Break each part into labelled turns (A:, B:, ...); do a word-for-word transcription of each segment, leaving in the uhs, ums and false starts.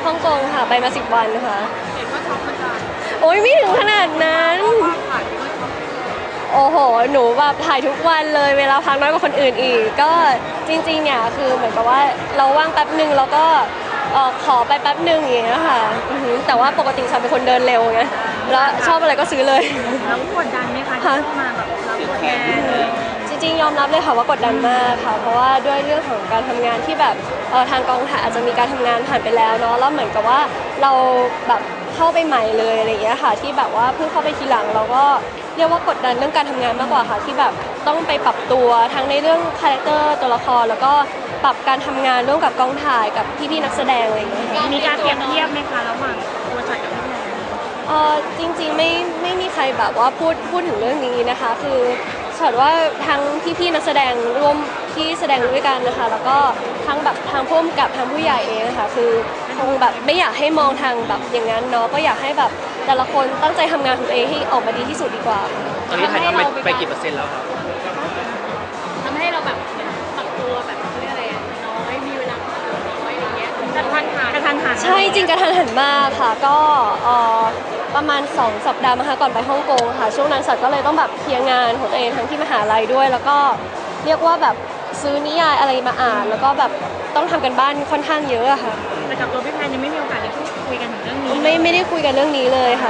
A: ฮ่องกงค่ะไปมาสิบวันค่ะ
B: เห็นว่าช็อปเหมือนกัน
A: โอ้ยไม่ถึงขนาดนั้น
B: ถ่ายก็ช็อป
A: โอ้โหหนูแบบถ่ายทุกวันเลยเวลาพักน้อยกว่าคนอื่นอีกก็จริงๆเนี่ยคือเหมือนกับว่าเราว่างแป๊บหนึ่งแล้วก็ขอไปแป๊บหนึ่งอย่างเงี้ยค่ะแต่ว่าปกติฉันเป็นคนเดินเร็วไงแล้วชอบอะไรก็ซื้อเลย
B: แล้วกดดันไหมคะที่เข้ามาแบบรับแทน
A: จริงๆยอมรับเลยค่ะว่ากดดันมากค่ะเพราะว่าด้วยเรื่องของการทำงานที่แบบทางกองถ่ายอาจจะมีการทำงานผ่านไปแล้วเนาะแล้วเหมือนกับว่าเราแบบเข้าไปใหม่เลยอะไรอย่างเงี้ยค่ะที่แบบว่าเพิ่งเข้าไปทีหลังเราก็เรียกว่ากดดันเรื่องการทำงานมากกว่าค่ะที่แบบต้องไปปรับตัวทั้งในเรื่องคาแรคเตอร์ตัวละครแล้วก็ปรับการทำงานร่วมกับกองถ่ายกับพี่ๆนักแสดงอะไรอย่างเงี้ย
B: มีการเปรียบเทียบไหมคะระหว่างตัวฉันกับพี่แพน
A: เออจริงๆไม่ไม่มีใครแบบว่าพูดพูดถึงเรื่องนี้นะคะคือฉันว่าทั้งพี่ๆนักแสดงร่วมที่แสดงด้วยกันนะคะแล้วก็ทั้งแบบทางผู้กำกับทางผู้ใหญ่เองค่ะคือคงแบบไม่อยากให้มองทางแบบอย่างนั้นเนาะก็อยากให้แบบแต่ละคนตั้งใจทำงานของตัวเองให้ออกมาดีที่สุดดีกว่า
C: ตอนนี้ถ่ายทำไปกี่เปอร์เซ็นต์แล้วครับ
B: ทำให้เราแบบปรับตัวแบบเรื่องอะไรอ่ะน้อยมีเวลาปรับตัวน้อยอะไรเงี้ยกระทันหันกระทันหัน
A: ใช่จริงกระทันหันมากค่ะก็ประมาณสองสัปดาห์มาค่ะก่อนไปฮ่องกงค่ะช่วงนั้นสัตว์ก็เลยต้องแบบเคลียร์งานของตัวเองทั้งที่มหาลัยด้วยแล้วก็เรียกว่าแบบซื้อนิยายอะไรมาอ่านแล้วก็แบบต้องทำกันบ้านค่อนข้างเยอะค่ะ
B: แต่กับตัวพี่แพนยังไม่มีโอกาสได้พูดคุยกันถึงเรื่องนี้
A: ไม่ไม่ได้คุยกันเรื่องนี้เลยค่ะ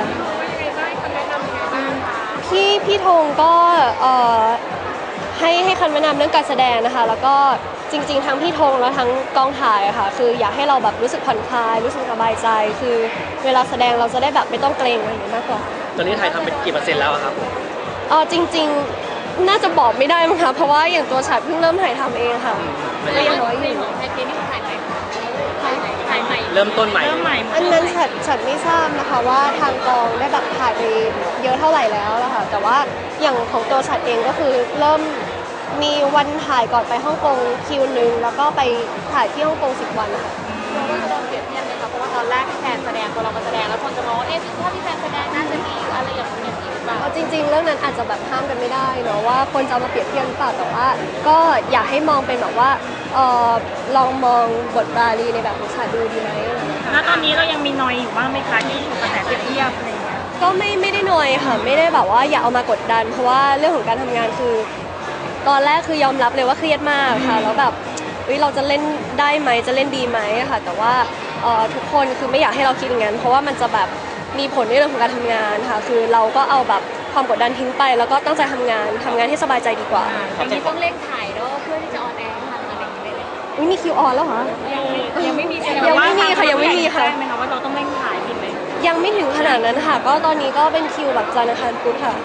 A: พี่พี่ธงก็ให้ให้คำแนะนำเรื่องการแสดงนะคะแล้วก็จริงๆทั้งพี่ธงแล้วทั้งกองถ่ายอะค่ะคืออยากให้เราแบบรู้สึกผ่อนคลายรู้สึกสบายใจคือเวลาแสดงเราจะได้แบบไม่ต้องเกรงอะไรอย่างนี้มากกว่า
C: ตอนนี้ถ่ายทำเป็นกี่เปอร์เซ็นต์แล้วครับ
A: อ๋อจริงๆน่าจะบอกไม่ได้มั้งคะเพราะว่าอย่างตัวฉัดเพิ่งเริ่มถ่ายทำเองค่ะ
B: ก็ยังน้อยอยู่ของไทยเกมนี่ถ่ายใหม่ถ่ายใหม่
C: เริ่มต้นใหม่
B: เริ่มใหม่
A: อันนั้นฉัดฉัดไม่ทราบนะคะว่าทางกองได้แบบถ่ายไปเยอะเท่าไหร่แล้วล่ะค่ะแต่ว่าอย่างของตัวฉัดเองก็คือเริ่มมีวันถ่ายก่อนไปฮ่องกงคิวหนึ่งแล้วก็ไปถ่ายที่ฮ่องกงสิบวันค่ะ
B: เราก็จะโดนเปรียบเทียบเลยค่ะเพราะว่าตอนแรกพี่แพนแสดงพอเรามาแสดงแล้วคนจะมองว่าเอ๊ะถ้าพี่แพนแสดงน่าจะมีอะไรอย่างนี้อย่างนี้หรือเปล่า
A: จริงๆเรื่องนั้นอาจจะแบบห้ามกันไม่ได้เนาะว่าคนจะมาเปรียบเทียบหรือเปล่าแต่ว่าก็อยากให้มองเป็นแบบว่าเออลองมองบทบาลีในแบบของฉัดดูดีไหม
B: แล้วตอนนี้เรายังมีนอยอยู่บ้างไหมคะที่ถูกกระแสเปรียบเทียบอะไรอย่างเงี้ย
A: ก็ไม่ไม่ได้นอยค่ะไม่ได้แบบว่าอยากเอามากดดันเพราะว่าเรื่องของการทำงานคือตอนแรกคือยอมรับเลยว่าเครียดมากค่ะแล้วแบบเราจะเล่นได้ไหมจะเล่นดีไหมค่ะแต่ว่าทุกคนคือไม่อยากให้เราคิดอย่างนั้นเพราะว่ามันจะแบบมีผลในเรื่องของการทำงานค่ะคือเราก็เอาแบบความกดดันทิ้งไปแล้วก็ตั้งใจทำงานทำงานให้สบายใจดีกว่า
B: ตอนนี้ต้องเร่งถ่ายแล้วเพื่อที่จะออนแอร์ทันอะไรอย่างเงี้ย
A: เลยมีคิวออนแล้วเหรอ
B: ยังยังไม่มี
A: ยังไม่มีค่ะยังไม่มีค่ะ
B: ใช่ไหมคะว่าเราต้องเร่งถ่ายผิดไหม
A: ยังไม่ถึงขนาดนั้นค่ะก็ตอนนี้ก็เป็นคิวแบบจันทร์อังคารพุธค่ะ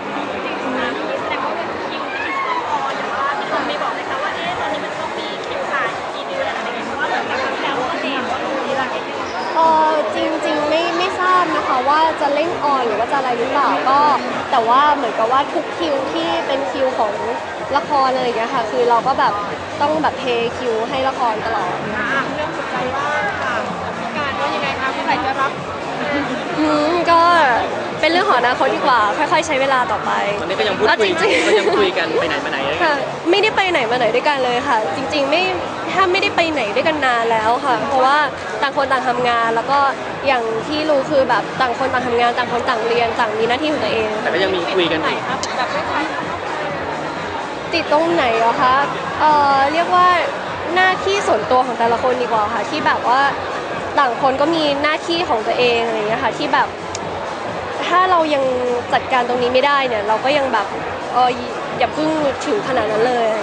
A: เออจริงๆไม่ไม่ทราบนะคะว่าจะเร่งออนหรือว่าจะอะไรหรือเปล่าก็แต่ว่าเหมือนกับว่าทุกคิวที่เป็นคิวของละครอะไรอย่างเงี้ยค่ะคือเราก็แบบต้องแบบเทคิวให้ละครตลอด
B: เรื่องสุดใจว่าค่ะพิการว่ายังไงคะเมื่อไหร่จะรับ
A: อืมก็เป็นเรื่องของอนาคตดีกว่าค่อยๆใช้เวลาต่อไป
C: ตอนนี้ก็ยังพูดคุยก็ยังคุยกันไปไหนมาไหน
A: ค่ะไม่ได้ไปไหนมาไหนด้วยกันเลยค่ะจริงๆไม่ถ้าไม่ได้ไปไหนด้วยกันนานแล้วค่ะเพราะว่าต่างคนต่างทำงานแล้วก็อย่างที่รู้คือแบบต่างคนต่างทำงานต่างคนต่างเรียนต่างมีหน้าที่ของตัวเอง
C: แต่ก็ยังมีคุยกันอยู่
A: ติดตรงไหนเหรอคะเอ่อเรียกว่าหน้าที่ส่วนตัวของแต่ละคนดีกว่าค่ะที่แบบว่าต่างคนก็มีหน้าที่ของตัวเองอะไรอย่างเงี้ยค่ะที่แบบถ้าเรายังจัดการตรงนี้ไม่ได้เนี่ยเราก็ยังแบบเอออย่าเพิ่งถึงขนาดนั้นเลย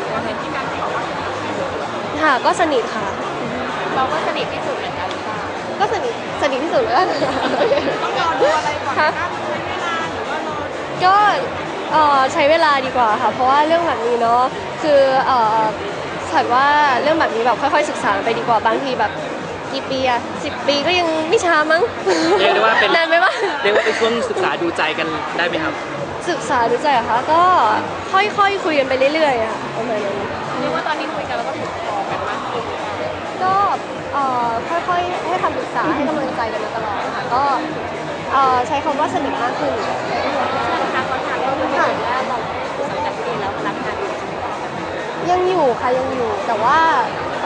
A: ค่ะก็สนิทค่ะ
B: เราก็สนิทที่สุดเหมือนกัน
A: ก็สนิทสนิทที่สุดแล้วต้อง
B: รอดูอะไรก่อนคะใช้เวลาหรือว่ารอ
A: ก็ใช้เวลาดีกว่าค่ะเพราะว่าเรื่องแบบนี้เนาะคือฉันว่าเรื่องแบบนี้แบบค่อยๆศึกษาไปดีกว่าบางทีแบบกี่ปีอะสิบปีก็ยังไม่ช้ามั้ง
C: เรียกได้ว่าเป็น
A: นานไหมวะ
C: เรียกว่าเป็นช่วงศึกษาดูใจกันได้ไหมครับ
A: ศึกษาดูใจเหรอคะก็ค่อยๆคุยกันไปเรื่อยๆอะประมาณนั้น
B: เรียกว่าตอนนี้คุยกันแล้วก็ถูกคอกันมากขึ้น
A: ก็ค่อยๆให้คำปรึกษาให้กำลังใจกันมาตลอดค่ะก็ใช้คำว่าสนิทมากขึ้น
B: ค่ะขอถามว่าคุณค่ะแล้วเราสังกัดปีแล้วรับงาน
A: ยังอยู่ค่ะยังอยู่แต่ว่า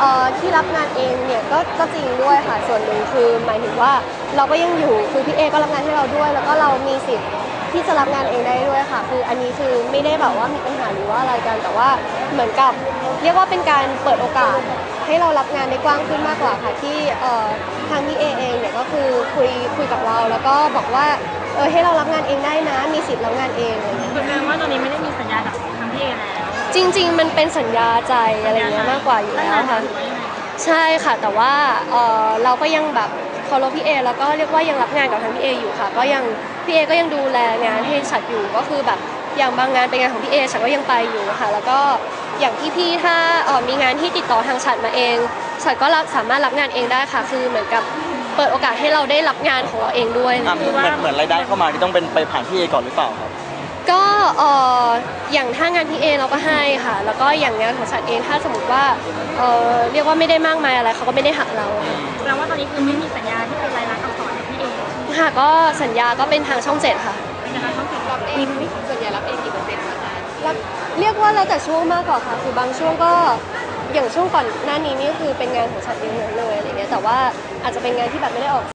A: เอ่อที่รับงานเองเนี่ยก็ก็จริงด้วยค่ะส่วนหนึ่งคือหมายถึงว่าเราก็ยังอยู่คือพี่เอก็รับงานให้เราด้วย แล้วก็เรามีสิทธิ์ที่จะรับงานเองได้ด้วยค่ะคืออันนี้คือไม่ได้แบบว่ามีปัญหาหรือว่าอะไรกันแต่ว่าเหมือนกับเรียกว่าเป็นการเปิดโอกาสให้เรารับงานได้กว้างขึ้นมากกว่าค่ะที่เอ่อทางพี่เอเองเนี่ยก็คือคุยคุยกับเราแล้วก็บอกว่าเออให้เรารับงานเองได้นะมีสิทธิ์รับงานเองอะไรอย่างเงี้ย
B: แสดงว่าตอนนี้ไม่ได้มีสัญญากับทางพี่เอแล้ว
A: จริงๆ มันเป็นสัญญาใจอะไรเงี้ยมากกว่าอยู่แล้วค่ะ ใช่ค่ะแต่ว่าเอ่อเราก็ยังแบบเคารพพี่เอแล้วก็เรียกว่ายังรับงานกับทางพี่เออยู่ค่ะก็ยังพี่เอก็ยังดูแลงานให้ฉัดอยู่ก็คือแบบอย่างบางงานเป็นงานของพี่เอฉัดก็ยังไปอยู่ค่ะแล้วก็อย่างพี่ๆถ้าเอ่อมีงานที่ติดต่อทางฉัดมาเองฉัดก็รับสามารถรับงานเองได้ค่ะคือเหมือนกับเปิดโอกาสให้เราได้รับงานของเราเองด้วย
D: อ่ะเหมือนเหมือนรายได้เข้ามาที่ต้องเป็นไปผ่านพี่เอก่อนหรือเปล่าครับ
A: ก็เอ่ออย่างถ้างานพี่เอเราก็ให้ค่ะ แล้วก็อย่างงานของฉันเองถ้าสมมติว่าเอ่อเรียกว่าไม่ได้มากมายอะไรเขาก็ไม่ได้หักเราค่ะ
B: แสดงว่าตอนนี้คือไม่มีสัญญาที่เป็นรายลักษณ์อักษรกับพี่เอ
A: ค่ะก็สัญญาก็เป็นทางช่องเจ็ดค่ะ
B: เป็นการต้องติดรับเองส่วนใหญ่รับเองกี่เปอร์เซ็นต์คะ
A: แล้วเรียกว่าแล้วแต่ช่วงมากกว่าค่ะคือบางช่วงก็อย่างช่วงก่อนหน้านี้นี่คือเป็นงานของฉันเองเลยอะไรเงี้ยแต่ว่าอาจจะเป็นงานที่แบบไม่ได้ออก